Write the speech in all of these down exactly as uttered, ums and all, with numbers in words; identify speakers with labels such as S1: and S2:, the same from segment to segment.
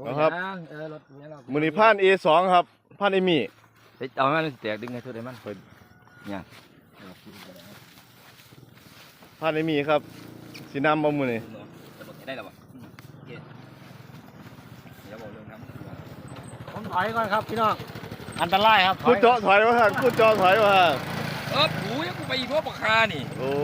S1: นะครับมือนี้ผ่าน เอ สอง ครับผ่านเอมี่
S2: เอามันแตกดึงไงทุกเดือนมันเปิดเนี่ย
S1: ผ่านเอมี่ครับสีน้ำบ่มือนี่
S2: ได้หรอวะเดี๋ยวบอกเรื่องน้ำ
S3: ผมถอยก่อนครับพี่น้องอันตรายครับ
S1: พูดเจาะถอยวะฮะพูดเจาะถอยวะฮะ
S2: เออหูยังกูไปอีกพวกปากคานี่
S1: โอ้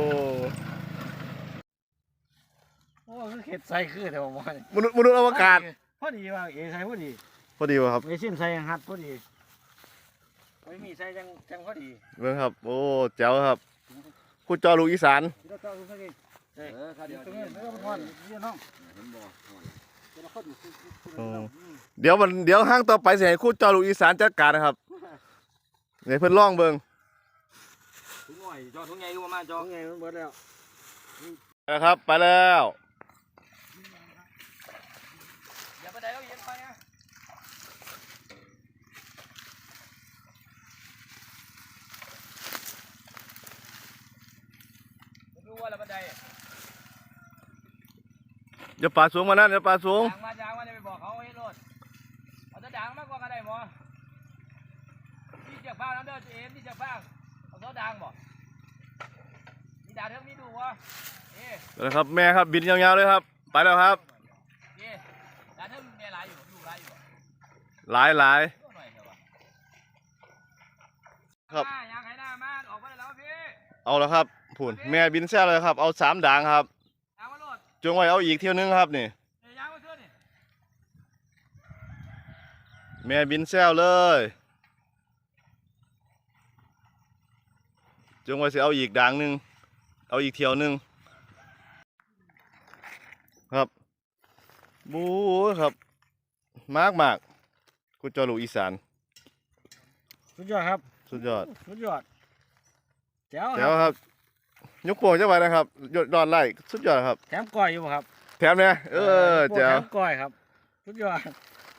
S3: โอ้คือเข็ดใส่คือแต่ผมว่าม
S1: นุษย์มนุษย์อวกาศ
S3: พอดีว่าเอใส่พอดี
S1: พอดีวะครับ
S3: เอซิมใส่ยังฮัดพอดีไม่มีใส่ยังยังพอดี
S1: เรื่องครับโอ้แจ๋วครับพูดเจาะลูกอีสาน
S3: เออครับเดี๋ยวนี้ไม่ต้องพอนเดี๋ยวน้อง
S1: เดี๋ยวมันเดี๋ยวห้างต่อไปเสียคู่เจาะลูกอีสานจัดการนะครับเนี่ยเพิ่นล่องเบิ่ง
S2: ถุงหน่อยจอถุงใหญ่ดูมาจอ
S3: ถุงใหญ่มันเบิดแล้ว
S1: นะครับไปแล้ว
S2: อย่าไปไหนแล้วเย็นไปนะดูว่าละบันได
S1: อย่าป่าสูงมานั่นอย่าป่าสูง
S2: ด่างมาด่างมาจะไปบอกเขาให้รถเอาจะด่างมากกว่ากันได้หมอที่เจ้าฟ้าน้ำเดือดเอ็มที่เจ้าฟ้าเอาเขาด่างบ่มีด่างเท่านี้ดูวะเอ๊ะ
S1: นะครับแม่ครับบินยาวๆเลยครับไปแล้วครับ
S2: เอ๊ะด่างเท่าแม่หลายอยู่ดูหลายอยู่
S1: หลายหลายครับ
S2: อยากให้หน้ามาออกมาแล้วพี่
S1: เอาแล้วครับผุนแม่บินแซ่เลยครับเอาสามด่างครับจงไว้เอาอีกเที่ยวนึงครับนี่แม่บินแซวเลยจงไว้สิเอาอีกด่างหนึ่งเอาอีกเที่ยวนึงครับบู๊ครับมากมากคุณจอลูกอีสาน
S3: สุดยอดครับ
S1: สุดยอด
S3: สุดยอดแจ๋ว
S1: แจ๋วครับยกโป่งเจ้าไว้นะครับยอดยอดไล่สุดยอดครับ
S3: แถมก้อยอยู่ครับ
S1: แถมเนี่ยเออแจ๋ว
S3: แถมก้อยครับสุดยอด